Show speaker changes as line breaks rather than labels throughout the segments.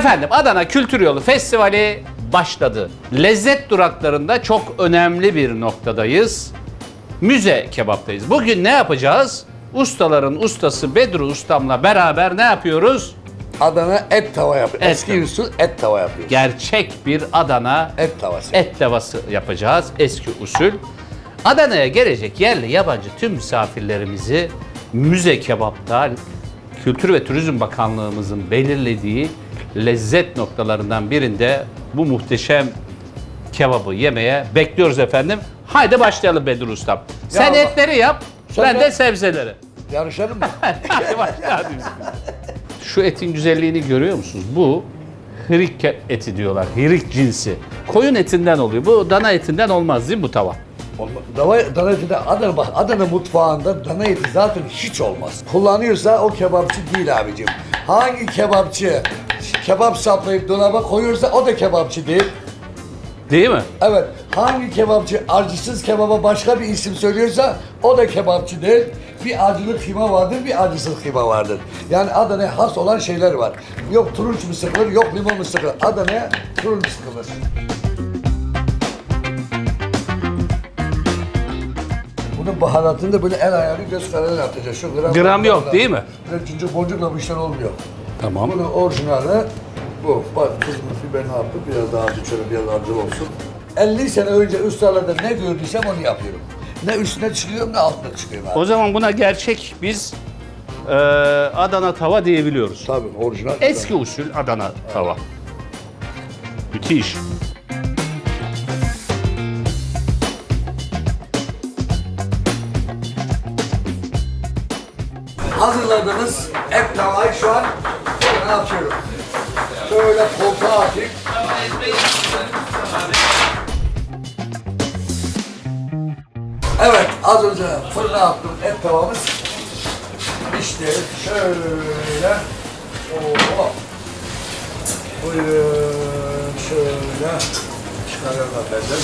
Efendim Adana Kültür Yolu Festivali başladı. Lezzet duraklarında çok önemli bir noktadayız. Müze kebaptayız. Bugün ne yapacağız? Ustaların ustası Bedru Ustam'la beraber ne yapıyoruz?
Adana et tava yapıyoruz.
Et
Eski
tava.
usul et tava yapıyoruz.
Gerçek bir Adana
Et tavası.
et tavası yapacağız. Eski usul. Adana'ya gelecek yerli yabancı tüm misafirlerimizi Müze Kebap'ta Kültür ve Turizm Bakanlığımızın belirlediği lezzet noktalarından birinde bu muhteşem kebabı yemeye bekliyoruz efendim. Haydi başlayalım Bedru Ustam. Sen
bak-
etleri yap,
Sen
ben de
yap.
sebzeleri.
Yarışalım mı?
Hadi başlayalım. Şu etin güzelliğini görüyor musunuz? Bu hirik eti diyorlar. Hirik cinsi. Koyun etinden oluyor. Bu dana etinden olmaz değil mi bu tava?
Dana eti de Adana mutfağında dana eti zaten hiç olmaz. Kullanıyorsa o kebapçı değil abicim. Hangi kebapçı kebap saplayıp dolaba koyuyorsa o da kebapçı değil.
Değil mi?
Evet, hangi kebapçı acısız kebaba başka bir isim söylüyorsa o da kebapçı değil. Bir acılı kıyma vardır, bir acısız kıyma vardır. Yani Adana'ya has olan şeyler var. Yok turunç mu sıkılır, yok limon mu sıkılır. Adana'ya turunç sıkılır. Bunun baharatını da böyle el ayarı göz kararı atacağız. Şu
Gram yok, değil mi?
Böyle cincir boncukla bu işler olmuyor.
Tamam.
Bunun orijinali bu. Bak kızımız biber ne yaptı? Biraz daha acı, şöyle biraz acı olsun. 50 sene önce ustalarda ne gördüysem onu yapıyorum. Ne üstüne çıkıyorum ne altına çıkıyorum abi.
O zaman buna gerçek biz Adana tava diyebiliyoruz.
Tabii orijinal.
Eski usul Adana tava. Müthiş.
Hazırladığınız et tavayı şu an ne yapıyorum? Şöyle koltuğa atayım. Evet, az önce fırına attım et tavamız. İşte şöyle. Oo. Buyurun şöyle. Çıkarıyorum efendim.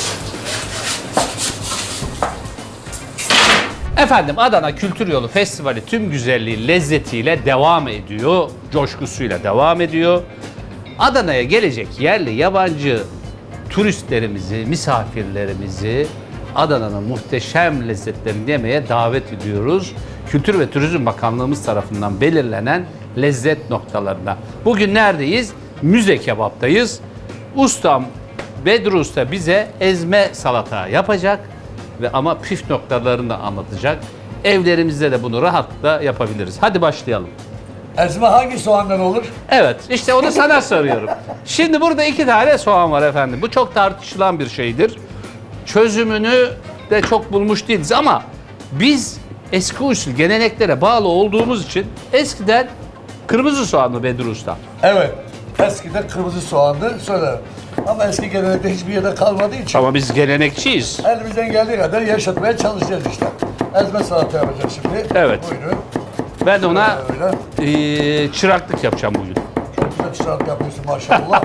Efendim Adana Kültür Yolu Festivali tüm güzelliği, lezzetiyle devam ediyor. Coşkusuyla devam ediyor. Adana'ya gelecek yerli, yabancı turistlerimizi, misafirlerimizi Adana'nın muhteşem lezzetlerini yemeye davet ediyoruz. Kültür ve Turizm Bakanlığımız tarafından belirlenen lezzet noktalarına. Bugün neredeyiz? Müze Kebap'tayız. Ustam Bedru Usta bize ezme salata yapacak ve ama püf noktalarını da anlatacak. Evlerimizde de bunu rahatlıkla yapabiliriz. Hadi başlayalım.
Ezme hangi soğandan olur?
Evet, işte onu sana soruyorum. Şimdi burada 2 tane soğan var efendim. Bu çok tartışılan bir şeydir. Çözümünü de çok bulmuş değiliz ama biz eski usul geleneklere bağlı olduğumuz için eskiden kırmızı soğanlı Bedru Usta.
Evet. Eskiden kırmızı soğandı. Sonra ama eski gelenekte hiçbir yerde kalmadığı için
Ama biz gelenekçiyiz.
elimizden geldiği kadar yaşatmaya çalışacağız işte. Ezme salata yapacağız şimdi.
Evet.
Buyurun.
Ben de ona
Böyle.
çıraklık yapacağım bugün.
Çok güzel çırak yapıyorsun maşallah.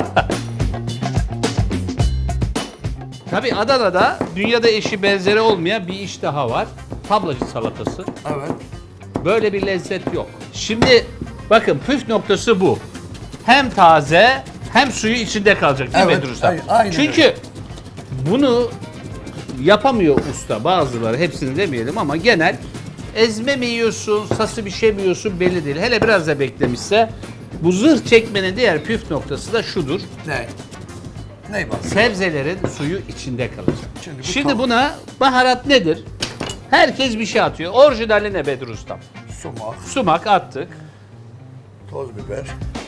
Tabii Adana'da dünyada eşi benzeri olmayan bir iş daha var. Tablacı salatası.
Evet.
Böyle bir lezzet yok. Şimdi bakın püf noktası bu. Hem taze hem suyu içinde kalacak değil mi
Evet,
Bedru Usta?
aynen
Çünkü bunu yapamıyor usta bazıları, hepsini demeyelim ama genel ezme mi yiyorsun, sası bir şey mi yiyorsun belli değil. Hele biraz da beklemişse bu zırh çekmenin diğer püf noktası da şudur.
Ne? Ne bak?
Sebzelerin suyu içinde kalacak.
Şimdi
Şimdi
bu
buna baharat nedir? Herkes bir şey atıyor. Orijinali ne Bedru Ustam?
Sumak,
Sumak attık.
toz biber.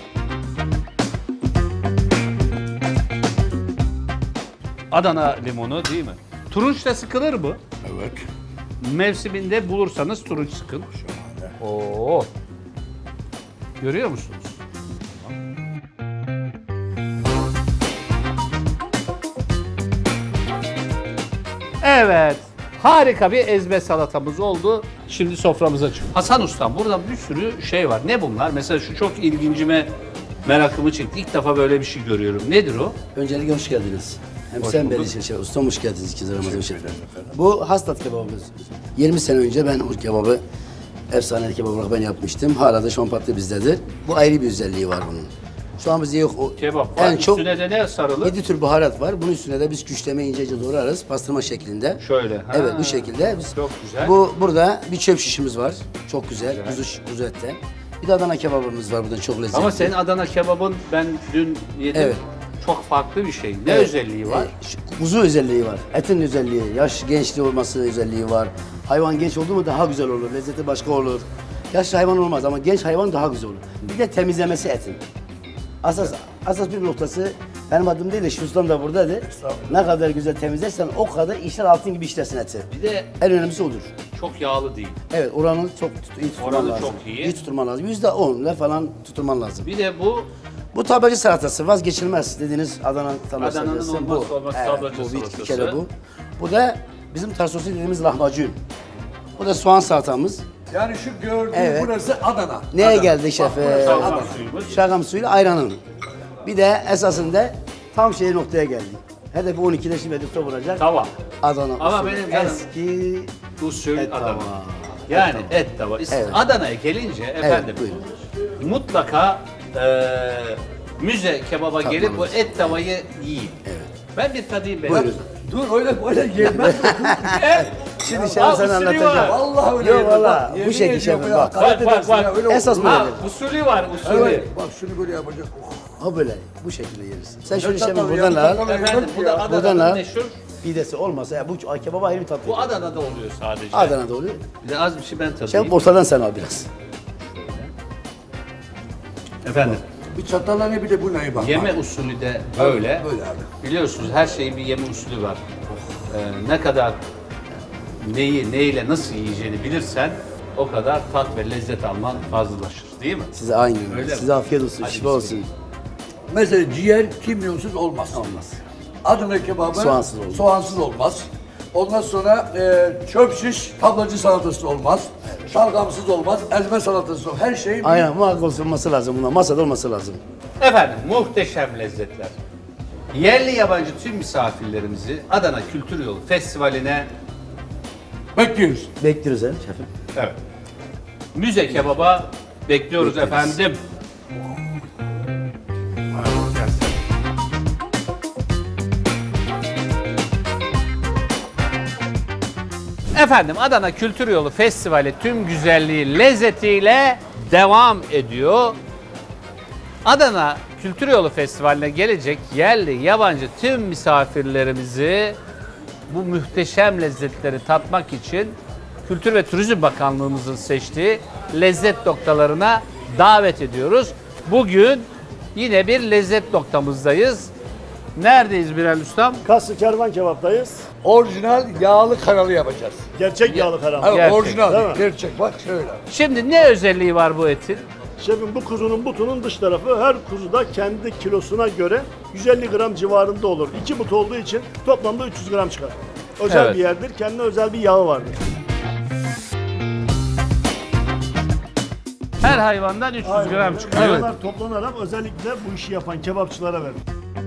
Adana limonu değil mi? Turunç da sıkılır mı?
Evet.
Mevsiminde bulursanız turunç sıkın.
Şahane.
Oo. Görüyor musunuz? Evet. Harika bir ezme salatamız oldu. Şimdi soframıza çık. Hasan Ustam burada bir sürü şey var. Ne bunlar? Mesela şu çok ilgincime merakımı çekti. İlk defa böyle bir şey görüyorum. Nedir o?
Öncelikle hoş geldiniz. Hem
Hoş
sen
bulduk.
beni şey, ustam hoş geldiniz ikinci Ramazan Şef. Bu hastat kebabımız. 20 sene önce ben bu kebabı efsane kebap olarak ben yapmıştım. Hala da şu an patlı bizdedir. Bu ayrı bir özelliği var bunun. Şu an bizde yok. O
Kebap var.
en çok
Üstüne de ne sarılı?
7 tür baharat var. Bunun üstüne de biz küşleme ince doğrarız. Pastırma şeklinde.
Şöyle. Ha.
Evet bu şekilde. Biz,
Çok güzel.
Burada bir çöp şişimiz var. Çok güzel. Kuzu etten. Bir de Adana kebabımız var buradan çok lezzetli.
Ama senin Adana kebabın ben dün yedim.
Evet.
Çok farklı bir şey. Ne
Evet.
özelliği var?
Kuzu özelliği var. Etin özelliği, yaş gençliği olması özelliği var. Hayvan genç oldu mu daha güzel olur. Lezzeti başka olur. Yaşlı hayvan olmaz ama genç hayvan daha güzel olur. Bir de temizlemesi etin. Asas bir noktası benim adım değil de şu ustam da buradaydı. Ne kadar güzel temizlersen o kadar işler altın gibi işlersin eti.
Bir de
En önemlisi odur.
çok yağlı değil.
Evet oranı çok iyi tutman
Oranı
lazım.
çok iyi.
İyi tutman lazım. %10'la falan tutman lazım.
Bir de bu
Bu tablacı salatası vazgeçilmez dediğiniz Adana tablacı
Adana'nın
salatası.
olmazsa olmaz tablacı
bu bir
salatası.
kere bu. Bu da bizim tarsosu dediğimiz lahmacun. Bu da soğan salatamız.
Yani şu gördüğün
Evet.
burası Adana.
Neye
Adana.
geldi
Bak,
şef?
burası
Şalgam
Adana.
suyumuz.
Şalgam suyuyla ayranın. Bir de esasında tam noktaya geldik. Hedefi 12'de şimdi hedefte vuracak.
tava.
Adana
Ama
usulü.
benim canım-
Eski
Usul
et
Adana.
tava.
Yani et tava.
Evet.
Adana'ya gelince efendim
buyurun.
mutlaka müze kebaba gelip bu et tavayı yiyin. Ben bir tadayım ben.
Buyurun.
Dur öyle gelmez.
Şimdi
Aa,
şef sana
usulü
anlatacağım.
var.
Vallahi öyle
Yok
yemez.
valla
Yemin
bu şekil
ediyorum
şefim
ya,
bak.
hakaret
Bak,
edersin
bak.
ya, öyle
Esas
olur.
bu.
Ha, usulü var usulü.
Evet, bak şunu böyle yapacak. Oh.
Ha böyle bu şekilde yeriz. Sen şunu
Çatal
şefim
ya,
buradan al.
çatal.
Efendim bu da
Buradan
Adana'nın
al.
meşhur.
Pidesi olmasa ya bu kebaba ayrı bir tat
Bu
veriyor.
Adana'da oluyor sadece.
Adana'da oluyor.
Bir de az bir şey ben tadayım.
Şef ortadan sen al biraz.
Efendim.
Bir çatalla ne bir de bu neye bak.
Yeme usulü de böyle.
Böyle abi.
Biliyorsunuz her şeyin bir yeme usulü var. Ne kadar neyi neyle nasıl yiyeceğini bilirsen o kadar tat ve lezzet alman fazlalaşır değil mi?
Size aynı.
Öyle mi?
Size afiyet olsun,
Hadi
şifa
bismillah.
olsun.
Mesela ciğer kimyonsuz olmaz.
Olmaz.
Adana kebabı
Soğansız olmaz.
soğansız olmaz. Ondan sonra çöp şiş tablacı salatası olmaz. Şalgamsız olmaz. Ezme salatası olmaz. Her şey
Aynen muhakkak olması lazım buna. Masada olması lazım.
Efendim muhteşem lezzetler. Yerli yabancı tüm misafirlerimizi Adana Kültür Yolu Festivali'ne
bekliyoruz.
Bekliyoruz he şefim.
evet. Müze kebaba bekliyoruz efendim. Efendim Adana Kültür Yolu Festivali tüm güzelliği, lezzetiyle devam ediyor. Adana Kültür Yolu Festivali'ne gelecek yerli, yabancı tüm misafirlerimizi bu muhteşem lezzetleri tatmak için Kültür ve Turizm Bakanlığımızın seçtiği lezzet noktalarına davet ediyoruz. Bugün yine bir lezzet noktamızdayız. Neredeyiz Bilal Ustam?
Kaslı Kervan Kebap'tayız.
Orijinal yağlı kanalı yapacağız.
Gerçek yağlı karam.
Evet,
Gerçek,
orijinal.
değil mi?
Gerçek. Bak şöyle.
Şimdi ne özelliği var bu etin?
Şefim bu kuzunun butunun dış tarafı her kuzuda kendi kilosuna göre 150 gram civarında olur. 2 but olduğu için toplamda 300 gram çıkar. Özel
Evet.
bir yerdir. Kendine özel bir yağı vardır.
Her hayvandan 300 gram çıkıyor.
Bunlar toplanarak özellikle bu işi yapan kebapçılara verilir.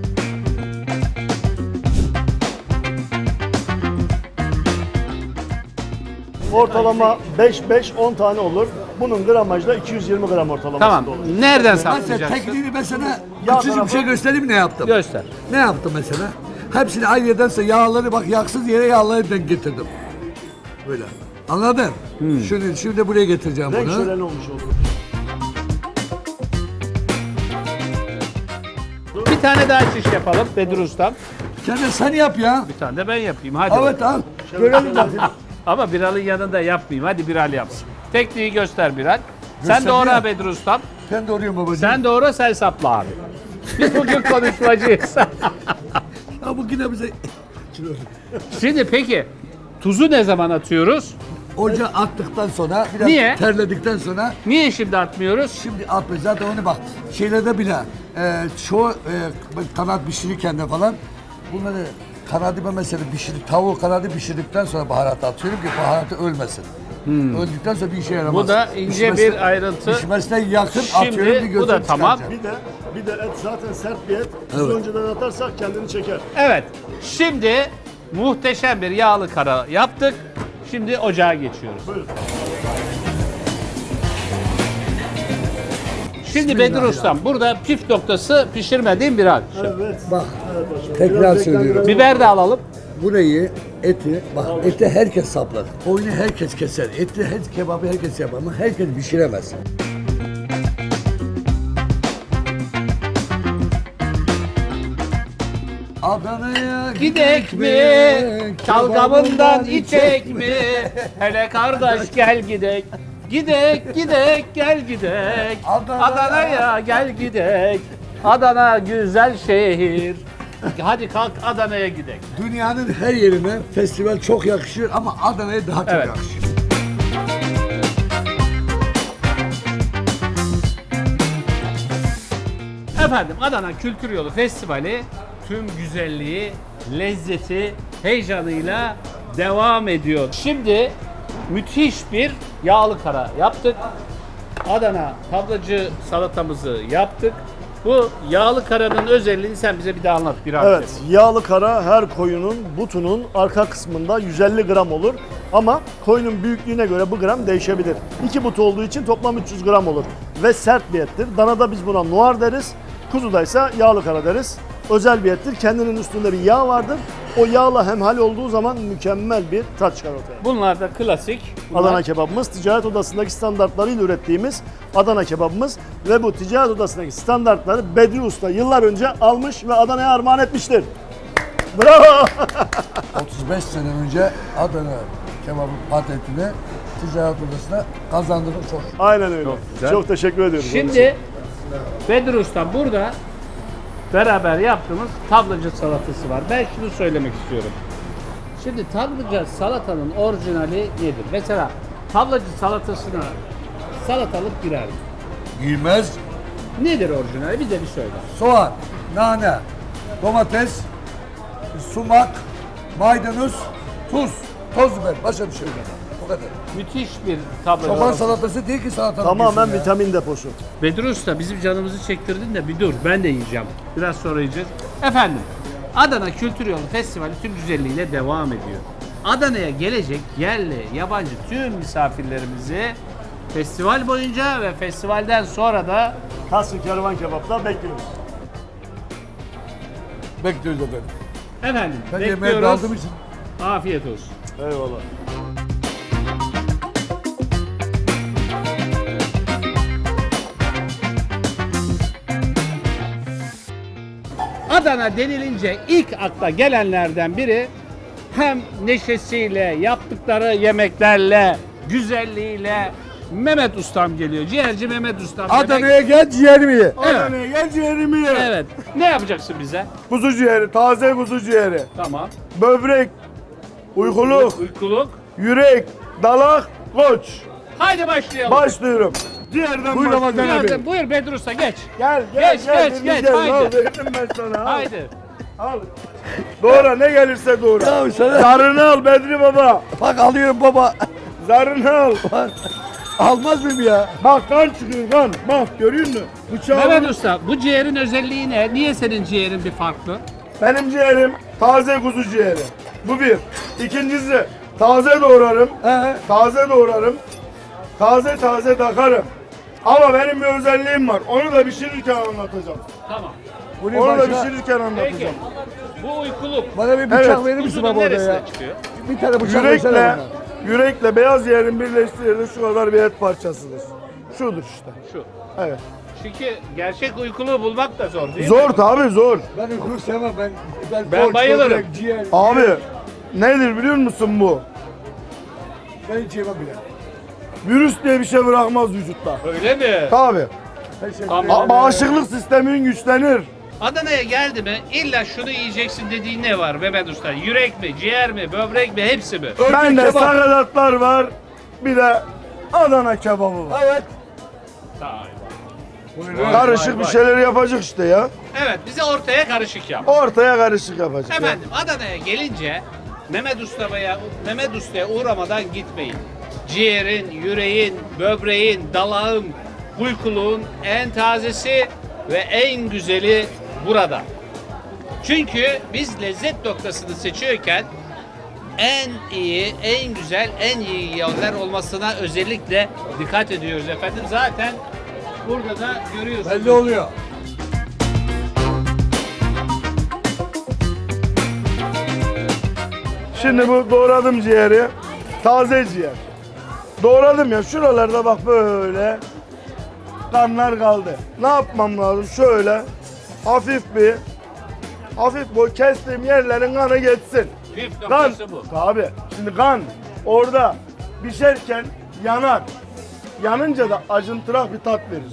Ortalama 5-5-10 tane olur. Bunun gramajı da 220 gram ortalamasında
Tamam.
olur.
Nereden
Mesela
saklayacaksın?
tekniğini mesela
Yağ
küçücük bir
tarafı-
şey göstereyim ne yaptım?
Göster.
Ne yaptım mesela? Hepsini aynı yerdense yağları bak yaksız yere yağları denk getirdim. Böyle. Anladın? Şimdi buraya getireceğim
Renk
bunu.
şöleni olmuş olur.
Bir tane daha şiş yapalım Bedir Ustam.
Sen yap ya.
Bir tane de ben yapayım hadi.
Evet al. Görelim zaten.
Ama Biral'ın yanında yapmayayım. Hadi Biral yapsın. Tekniği göster Biral. Sen
Göster
doğra
ya.
Bedir Ustam.
Ben doğruyum babacığım.
Sen doğra sen sapla abi. Biz bugün konuşmacıyız.
Ya bu yine bize
Şimdi peki tuzu ne zaman atıyoruz?
ocağa attıktan sonra biraz
Niye?
terledikten sonra
Niye şimdi atmıyoruz?
şimdi atmayız. Zaten onu bak şeylerde bile çoğu kanat pişirirken de falan bunları kanadı ben mesela tavuğu kanadı pişirdikten sonra baharat atıyorum ki baharatı ölmesin. Öldükten sonra bir işe yaramaz.
Bu da ince bir ayrıntı.
Pişmesine yakın
Şimdi
atıyorum bir
bu da
gözüm
tamam.
çıkaracağım.
Bir de et zaten sert bir et. Kuzu önceden atarsak kendini çeker.
Evet. Şimdi muhteşem bir yağlı kara yaptık. Şimdi ocağa geçiyoruz.
Buyurun.
Şimdi Bedir Ustam burada püf noktası pişirmediğim bir hal.
Evet.
Bak, tekrar söylüyorum.
Biber de alalım.
Burayı, eti, bak eti herkes saplar. Oyunu herkes keser. Eti, kebabı herkes yapar ama herkes pişiremez. Adana'ya
Gidek mi? Çalgamından içek mi? Hele kardeş gel gidek. Gidek gidek gel gidek. Adana'ya gel gidek. Adana güzel şehir. Hadi kalk Adana'ya gidek.
Dünyanın her yerine festival çok yakışır ama Adana'ya daha çok
Evet.
yakışır.
Efendim Adana Kültür Yolu Festivali tüm güzelliği, lezzeti, heyecanıyla devam ediyor. Şimdi müthiş bir yağlı kara yaptık. Adana tablacı salatamızı yaptık. Bu yağlı karanın özelliğini sen bize bir daha anlat biraz.
Evet, yağlı kara her koyunun butunun arka kısmında 150 gram olur. Ama koyunun büyüklüğüne göre bu gram değişebilir. 2 but olduğu için toplam 300 gram olur. Ve sert bir ettir. Danada biz buna noir deriz. Kuzudaysa yağlı kara deriz. Özel bir ettir. Kendinin üstünde bir yağ vardır. O yağla hemhal olduğu zaman mükemmel bir tat çıkar ortaya.
Bunlar da klasik. Bunlar-
Adana kebabımız ticaret odasındaki standartlarıyla ürettiğimiz Adana kebabımız ve bu ticaret odasındaki standartları Bedri Usta yıllar önce almış ve Adana'ya armağan etmiştir. Bravo!
35 sene önce Adana kebabı patentini ticaret odasına kazandırdık çok.
Aynen öyle.
güzel.
Çok teşekkür ediyoruz.
Şimdi Bedir Usta burada beraber yaptığımız tablacı salatası var. Ben şunu söylemek istiyorum. Şimdi tablacı salatanın orijinali nedir? Mesela tablacı salatasına salatalık girer mi?
Giymez,
Nedir orijinali? Bize bir söyle.
soğan, nane, domates, sumak, maydanoz, tuz, toz biber. Başka bir şey yok. O kadar.
Müthiş bir tablacı
Çoban
salatası.
salatası değil ki salatalık.
Tamamen
diyorsun ya.
vitamin deposu.
Bedir Usta bizim canımızı çektirdin de bir dur ben de yiyeceğim. Biraz sonra yiyeceğiz. Efendim Adana Kültür Yolu Festivali tüm güzelliğiyle devam ediyor. Adana'ya gelecek yerli, yabancı tüm misafirlerimizi festival boyunca ve festivalden sonra da
Kasrı Kervan Kebap'ta bekliyoruz.
Bekliyoruz efendim.
efendim
Ben yemeğe
bekliyoruz.
daldığım için.
Afiyet olsun.
Eyvallah.
Adana denilince ilk akla gelenlerden biri hem neşesiyle, yaptıkları yemeklerle, güzelliğiyle Mehmet Ustam geliyor. Ciğerci Mehmet Ustam.
Adana'ya gel ciğerimi ye.
Adana'ya gel ciğerimi ye.
Evet. Ne yapacaksın bize?
Kuzu ciğeri, taze kuzu ciğeri.
Tamam.
Böbrek, uykuluk,
Uykuluk.
yürek, dalak, koç.
Haydi başlayalım.
Başlıyorum. Ciğerden
Buyur
başlıyorum.
Ramazan abi.
Buyur Bedir Usta geç.
Gel,
Geç,
gel,
geç,
gel.
geç,
gel.
haydi.
Al, verdim ben sana. Al.
Haydi.
Al. Doğra, ne gelirse doğra.
Ya sana
Zarını al Bedri Baba.
bak alıyorum baba.
Zarını al.
Almaz mıyım ya?
Bak kan çıkıyor kan. Bak görüyor musun? Bıçağı
Mehmet Usta bu ciğerin özelliği ne? Niye senin ciğerin bir farklı?
Benim ciğerim taze kuzu ciğeri. Bu bir. İkincisi taze doğrarım. Taze doğrarım. Taze taze takarım. Ama benim bir özelliğim var. Onu da pişirirken anlatacağım.
Tamam.
Bunu
Onu da
başka,
pişirirken
Peki.
anlatacağım.
Bu uykuluk.
bana bir bıçak
Evet.
verir misin
Kuzunun
baba orada
neresine
ya?
çıkıyor?
Bir tane bıçak versene
Yürekle,
bana.
yürekle beyaz ciğerin birleştirildiği şu kadar bir et parçasıdır. Şudur işte.
Şu.
Evet.
Çünkü gerçek uykuluğu bulmak da zor değil mi?
Zor tabii zor.
Ben uykulu sevmem.
Ben
koç,
bayılırım.
böbrek, ciğer.
Abi nedir biliyor musun bu?
Ben hiç yemem bile.
Virüs diye bir şey bırakmaz vücutta.
Öyle mi?
Tabii.
Teşekkür
Tamam.
ederim.
Bağışıklık sistemin güçlenir.
Adana'ya geldi mi illa şunu yiyeceksin dediğin ne var Mehmet Usta? Yürek mi, ciğer mi, böbrek mi, hepsi mi?
Bende
kebap.
sakatatlar var. Bir de Adana kebabı var.
Evet.
Karışık bir şeyler yapacak işte ya.
Evet, bize ortaya karışık yap.
Ortaya karışık yapacak. ya.
Efendim Adana'ya gelince Mehmet Usta'ya uğramadan gitmeyin. Ciğerin, yüreğin, böbreğin, dalağın, uykuluğun en tazesi ve en güzeli burada. Çünkü biz lezzet noktasını seçiyorken en iyi, en güzel, en iyi yerler olmasına özellikle dikkat ediyoruz efendim. Zaten burada da görüyorsunuz.
Belli oluyor.
Şimdi bu doğradım ciğeri. Taze ciğer. Doğradım ya, şuralarda bak böyle kanlar kaldı. Ne yapmam lazım? Şöyle hafif boy kestiğim yerlerin kanı geçsin.
Püf
Kan.
noktası bu.
Abi şimdi kan orada pişerken yanar. Yanınca da acıntırak bir tat verir.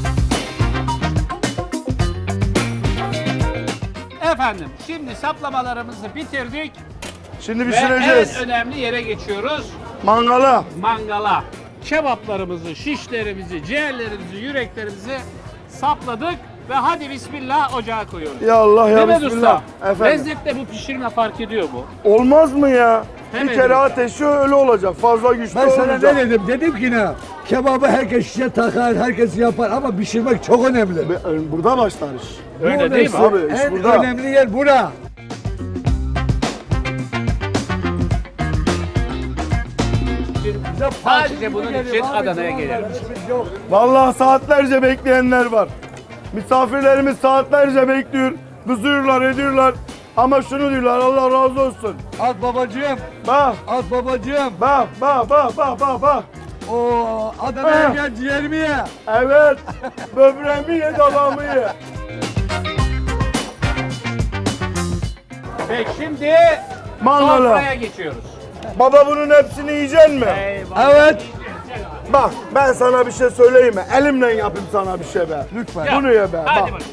Efendim şimdi saplamalarımızı bitirdik
Şimdi
ve
pişireceğiz.
en önemli yere geçiyoruz.
Mangala.
Mangala. Kebaplarımızı, şişlerimizi, ciğerlerimizi, yüreklerimizi sapladık ve hadi bismillah ocağa koyuyoruz.
Ya Allah ya
Mehmet
Bismillah.
Usta,
Efendim.
lezzette bu pişirme fark ediyor mu?
Olmaz mı ya?
Hemen
Bir kere
dedim.
ateşi öyle olacak. Fazla güçlü
Ben sana
olmayacak.
ne dedim? Dedim ki ne? Kebabı herkes şişe takar, herkes yapar ama pişirmek çok önemli.
Burada başlar iş.
Öyle
Burada
değil mi
işte
abi? İş
En
burada.
önemli yer bura.
Sadece bunun için Adana'ya gelelim.
Vallahi saatlerce bekleyenler var. Misafirlerimiz saatlerce bekliyor. Kızıyorlar, ediyorlar. Ama şunu diyorlar, Allah razı olsun.
At babacığım,
Bak,
at babacığım.
bak.
Oo, Adana'ya
Ha.
gel ciğerimi ye.
Evet, böbreğimi ye, dalağımı ye.
Peki şimdi
Mangala.
sofraya geçiyoruz.
Baba bunun hepsini yiyecek mi?
Eyvallah.
Evet.
Bak, ben sana bir şey söyleyeyim mi? Elimle yapayım sana bir şey be.
Lütfen.
Bunu ye be,
Hadi
bak.
bakalım.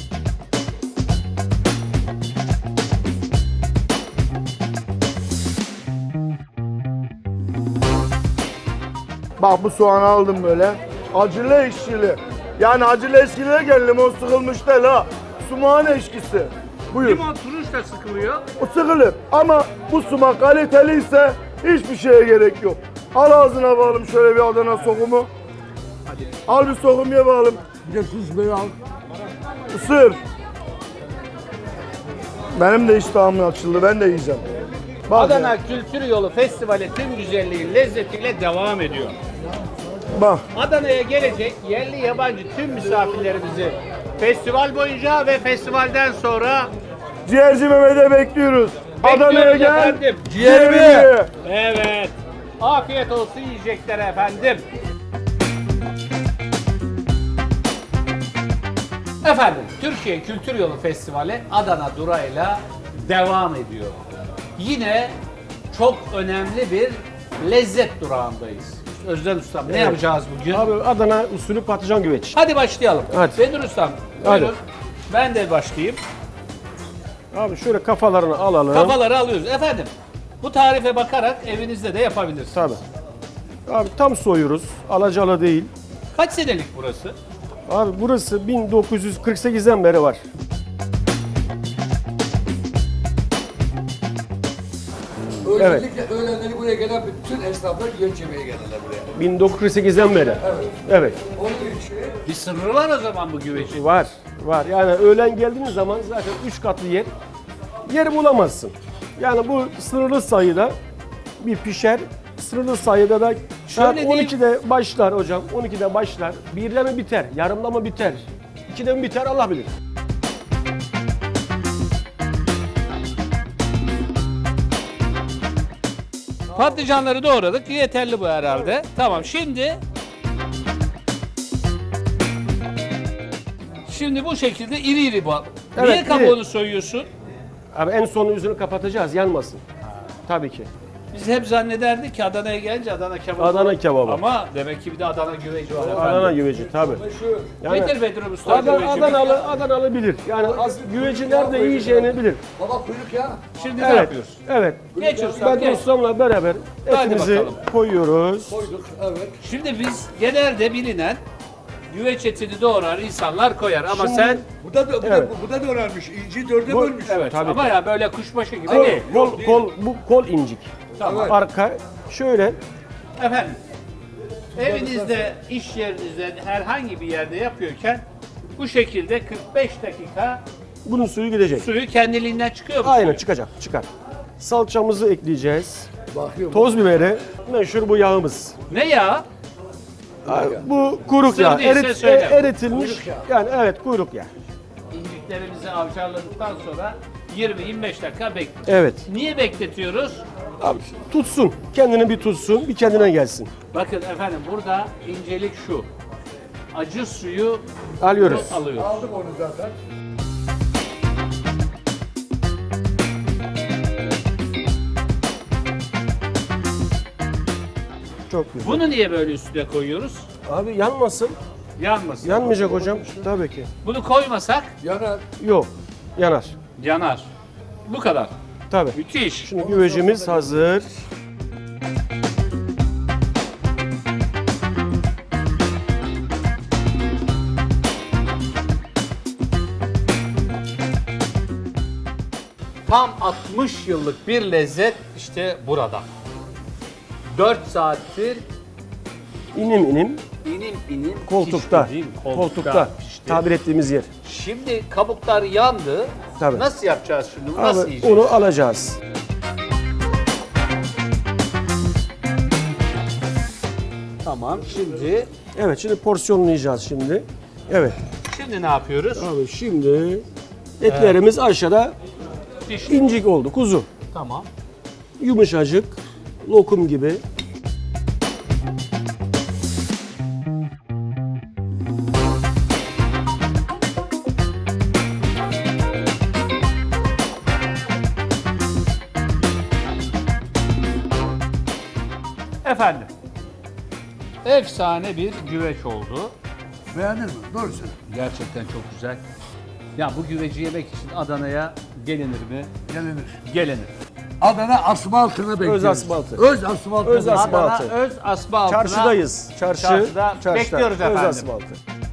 Bak bu soğanı aldım böyle. Acılı ekşili. Yani acılı ekşiliye gel, limon sıkılmış değil ha. Sumağın eşkisi. Buyur.
Limon turuş da sıkılıyor.
O sıkılır ama bu sumak kaliteliyse hiçbir şeye gerek yok. Al ağzına bağlım şöyle bir Adana sokumu. Al bir sokum ye bağlım.
Bir de tuz böyle al.
Isır. Benim de iştahım açıldı. Ben de yiyeceğim. Bak
Adana
ya,
Kültür Yolu Festivali tüm güzelliği, lezzetiyle devam ediyor.
bak.
Adana'ya gelecek yerli yabancı tüm misafirlerimizi festival boyunca ve festivalden sonra
Ciğerci Mehmet'e bekliyoruz. Adana'ya
bekliyoruz
gel.
efendim.
Ciğerimi ye.
Evet. Afiyet olsun yiyeceklere efendim. Efendim, Türkiye Kültür Yolu Festivali Adana durağıyla devam ediyor. Yine çok önemli bir lezzet durağındayız. Özden Ustam ne yapacağız bugün?
Abi Adana usulü patlıcan güveç.
Hadi başlayalım.
Hadi.
Bedir Ustam,
Hadi.
buyurun. Ben de başlayayım.
Abi şöyle kafalarını alalım.
Kafaları alıyoruz. Efendim, bu tarife bakarak evinizde de yapabilirsiniz.
Tabii. Abi tam soyuyoruz. Alacalı değil.
Kaç senelik burası?
Abi burası 1948'den beri var.
Özellikle öğlenleri buraya gelen bütün esnaflar güveç yemeye gelirler buraya.
1948'den beri. Evet.
Onun için
Bir sırrı var o zaman bu güvecin.
Var. Var. Yani öğlen geldiğiniz zaman zaten 3 katlı yer bulamazsın. Yani bu sınırlı sayıda bir pişer. Sınırlı sayıda da saat
Şöyle diyeyim.
12'de başlar hocam. 12'de başlar. 1'de mi biter? Yarımda mı biter? 2'de mi biter? Allah bilir.
Patlıcanları doğradık. Yeterli bu herhalde. Tamam şimdi bu şekilde iri iri bu.
Evet,
Niye
iri.
kabuğunu soyuyorsun?
Abi en son yüzünü kapatacağız, yanmasın. Tabii ki.
Biz hep zannederdik ki Adana'ya gelince Adana kebabı.
Adana kebabı.
Ama demek ki bir de Adana güveci var efendim.
Adana güveci tabii. Yani
Nedir Bedir Usta güveci?
Adanalı bilir. Yani güveci nerede yiyeceğini bilir.
baba kuyruk ya.
Şimdi ne
Evet.
yapıyoruz?
Evet.
Geç ustam
Ben
geç.
ustamla beraber
Hadi
etimizi
bakalım.
koyuyoruz.
Koyduk evet.
Şimdi biz genelde bilinen güveç etini doğrar insanlar koyar ama
Şimdi-
sen
Evet.
Bu da doğranmış. İnci dörde bölmüş.
evet
Tabii
ama
ki.
ya böyle kuşbaşı gibi
Kol,
değil.
bu kol incik.
Tamam.
Arka şöyle
Efendim, evinizde, iş yerinizde, herhangi bir yerde yapıyorken bu şekilde 45 dakika
bunun suyu gidecek.
suyu kendiliğinden çıkıyor mu?
Aynen çıkacak, çıkar. Salçamızı ekleyeceğiz.
Bakıyorum.
Toz biberi, meşhur bu yağımız.
Ne ya?
Bu kuyruk
Sır
yağı.
değilse söyle.
Eritilmiş.
Kuyruk yağı.
Yani evet kuyruk yağı.
İnciklerimizi avcarladıktan sonra 20-25 dakika bekliyoruz.
Evet.
Niye bekletiyoruz?
Abi, tutsun. Kendini bir tutsun. Bir kendine gelsin.
Bakın efendim burada incelik şu. Acı suyu
Alıyoruz.
alıyoruz.
Aldım onu zaten.
Çok güzel.
Bunu niye böyle üstüne koyuyoruz?
Abi yanmasın.
Yanmasın.
Yanmayacak hocam. Tabii ki.
Bunu koymasak
Yanar.
Yok. Yanar.
yanar. Bu kadar.
Tabii.
Müthiş.
Şimdi güvecimiz hazır.
Tam 60 yıllık bir lezzet işte burada. 4 saattir
İnim inim
inim
koltukta.
pişti, değil mi?
Koltukta.
pişti.
Tabir ettiğimiz yer.
Şimdi kabuklar yandı.
Tabii.
Nasıl yapacağız şimdi? Bunu nasıl
Abi
yiyeceğiz?
onu alacağız.
Tamam. Şimdi
Evet, şimdi porsiyonlayacağız şimdi. Evet.
ne yapıyoruz?
Abi şimdi etlerimiz aşağıda
Pişti.
incik oldu. Kuzu.
Tamam.
Yumuşacık. Lokum gibi.
Efendim. Efsane bir güveç oldu.
Beğendin mi? Doğru söyle.
Gerçekten çok güzel. Ya bu güveci yemek için Adana'ya gelinir mi?
Gelinir.
Gelinir.
Adana asfaltına bekliyoruz.
asfaltı.
Öz asfaltı.
Öz asfaltı.
Adana öz asfaltına
Çarşıdayız.
Çarşıda bekliyoruz
Öz
efendim.
asfaltı.